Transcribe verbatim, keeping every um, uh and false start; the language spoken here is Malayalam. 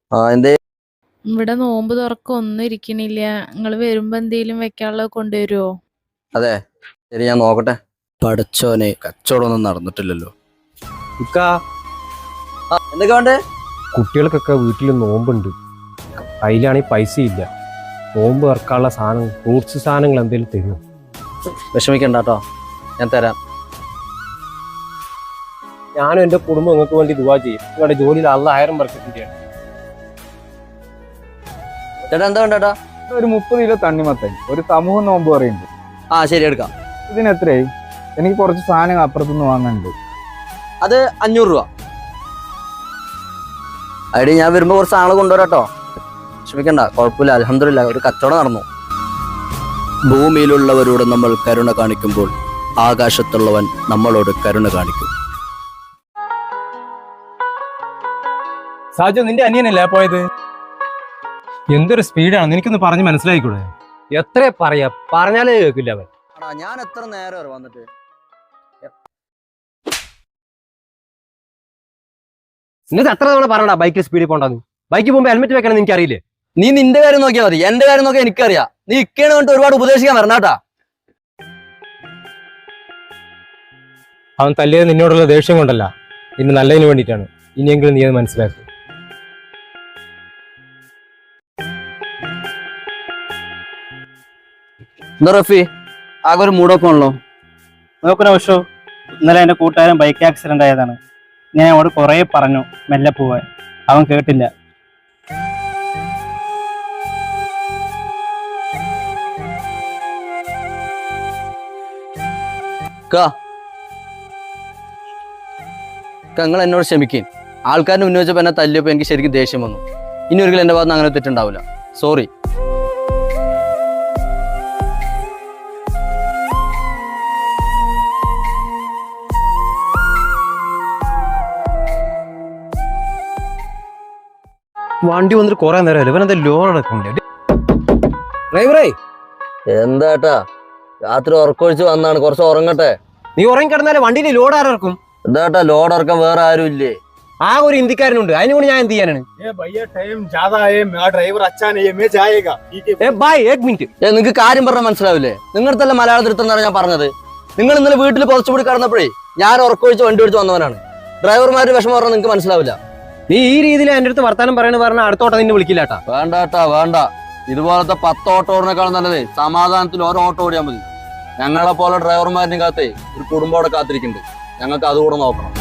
ആ എന്തേ? ഇവിടെ നോമ്പ് തുറക്കം ഒന്നും ഇരിക്കണില്ല. നിങ്ങള് വരുമ്പോ എന്തേലും വെക്കാനുള്ളത് കൊണ്ടുവരുമോ? അതെ, ശരി, ഞാൻ നോക്കട്ടെ. പടച്ചോനെ, കച്ചവടമൊന്നും നടന്നിട്ടില്ലല്ലോ. ഇക്കാ, ആ, എന്തൊക്കെ വേണ്ടേ? കുട്ടികൾക്കൊക്കെ വീട്ടിൽ നോമ്പുണ്ട്. അതിലാണെങ്കിൽ പൈസ ഇല്ല. നോമ്പ് ഇറക്കാനുള്ള സാധനം, ഫ്രൂട്ട്സ് സാധനങ്ങൾ എന്തെങ്കിലും തരും. വിഷമിക്കണ്ട കേട്ടോ, ഞാൻ തരാം. ഞാനും എൻ്റെ കുടുംബം നിങ്ങൾക്ക് വേണ്ടി ദുആ ചെയ്യും. നിങ്ങളുടെ ജോലിയിൽ അള്ളാഹ് ആയിരം ബർക്കത്തിന്റെയാണ്. ചേട്ടാ എന്താ വേണ്ടേട്ടാ? ഒരു മുപ്പത് കിലോ തണ്ണിമത്തൻ, ഒരു സമൂഹ നോമ്പ് പറയുന്നുണ്ട്. ആ ശരി, എടുക്കാം. ഇതിന് എത്രയായി? എനിക്ക് കുറച്ച് സാധനങ്ങൾ അപ്പുറത്തുനിന്ന് വാങ്ങാനുണ്ട്. അത് അഞ്ഞൂറ് രൂപ. അടി ഞാൻ വരുമ്പോ കുറച്ച് ആള് കൊണ്ടുവരാട്ടോ. വിഷമിക്കണ്ട, കുഴപ്പമില്ല, അൽഹംദുലില്ലാ ഒരു കച്ചവടം നടന്നു. ഭൂമിയിലുള്ളവരോട് നമ്മൾ കരുണ കാണിക്കുമ്പോൾ ആകാശത്തുള്ളവൻ നമ്മളോട് കരുണ കാണിക്കും. സാജു, നിന്റെ അനിയനല്ലേ പോയത്? എന്തൊരു സ്പീഡാണ്, നിനക്കൊന്ന് പറഞ്ഞ് മനസ്സിലായിക്കൂടെ? എത്ര പറയാ, പറഞ്ഞാലേ കേൾക്കില്ല അവൻ. ഞാൻ എത്ര നേരം വന്നിട്ട് എന്നിട്ട് എത്ര തവണ പറയടാ ബൈക്കിൽ സ്പീഡിൽ പോണ്ടെന്ന്? ബൈക്കിൽ പോകുമ്പോൾ ഹെൽമെറ്റ് വെക്കണം എനിക്ക് അറിയില്ലേ? നീ നിന്റെ കാര്യം നോക്കിയാൽ മതി, എന്റെ കാര്യം നോക്കിയാൽ എനിക്കറിയാം. നീ ഇക്കേണ് കൊണ്ട് ഒരുപാട് ഉപദേശിക്കാൻ വരണാട്ടാ. അവൻ തല്ലിയത് നിന്നോടുള്ള ദേഷ്യം കൊണ്ടല്ല, ഇന്ന് നല്ലതിന് വേണ്ടിയിട്ടാണ്. ഇനിയെങ്കിലും നീ അത് മനസ്സിലാക്കും. എന്താ റഫി, ആകെ ഒരു മൂടൊക്കെ ആണല്ലോ? നോക്കുന്ന പക്ഷോ ഇന്നലെ എൻ്റെ കൂട്ടുകാരൻ ബൈക്ക് ആക്സിഡന്റ് ആയതാണ്. ഞാൻ അവനോട് കുറേ പറഞ്ഞു മെല്ലെ പോവാൻ, അവൻ കേട്ടില്ല. നിങ്ങൾ എന്നോട് ക്ഷമിക്കും. ആൾക്കാരുടെ മുന്നിൽ വെച്ചപ്പോൾ എന്നെ തല്ലിയപ്പോൾ എനിക്ക് ശരിക്കും ദേഷ്യം വന്നു. ഇനി ഒരിക്കലും എൻ്റെ ഭാഗത്ത് അങ്ങനെ തെറ്റുണ്ടാവില്ല. സോറി. വണ്ടി വന്നിട്ട് കുറെ നേരം ഇവനെന്താ ലോൺ അടക്കണ്ടേ? ഡ്രൈവറേ, എന്താട്ടാ രാത്രി ഉറക്കൊഴിച്ച് വന്നാണ്, കുറച്ച് ഉറങ്ങട്ടെ. നീ ഉറങ്ങി കിടന്നാലേ വണ്ടിയിൽ ലോഡ് ആരക്കും? എന്താട്ടാ ലോഡ് ഇറക്കാൻ വേറെ ആരും ഇല്ലേ? ആ ഒരു ഇന്ത്യക്കാരനുണ്ട്, അതിനെ കൊണ്ട് ഞാൻ എന്ത് ചെയ്യാനാണ്? നിങ്ങൾക്ക് കാര്യം പറഞ്ഞാൽ മനസ്സിലാവില്ലേ? നിങ്ങൾക്കല്ല മലയാളത്തിൽ എടുത്തെന്നാണ് ഞാൻ പറഞ്ഞത്. നിങ്ങൾ ഇന്നലെ വീട്ടിൽ പുറച്ചുകൂടി കടന്നപ്പോഴേ ഞാൻ ഉറക്കൊഴിച്ച് വണ്ടി ഓടിച്ച് വന്നവനാണ്. ഡ്രൈവർമാരുടെ വിഷമം പറഞ്ഞാൽ നിങ്ങൾക്ക് മനസ്സിലാവില്ല. നീ ഈ രീതിയിൽ എന്റെ അടുത്ത് വർത്താനം പറയണ പറഞ്ഞാൽ അടുത്തോട്ടം നിന്നെ വിളിക്കില്ലാട്ടാ. വേണ്ടാട്ടാ വേണ്ട. ഇതുപോലത്തെ പത്ത് ഓട്ടോ ഓടിനേക്കാളും നല്ലതേ സമാധാനത്തിൽ ഓരോ ഓട്ടോ ഓടിയാൽ മതി. ഞങ്ങളെ പോലെ ഡ്രൈവർമാരിനെ കാത്തേ ഒരു കുടുംബം അവിടെ കാത്തിരിക്കുന്നുണ്ട്. ഞങ്ങൾക്ക് അതുകൂടെ നോക്കണം.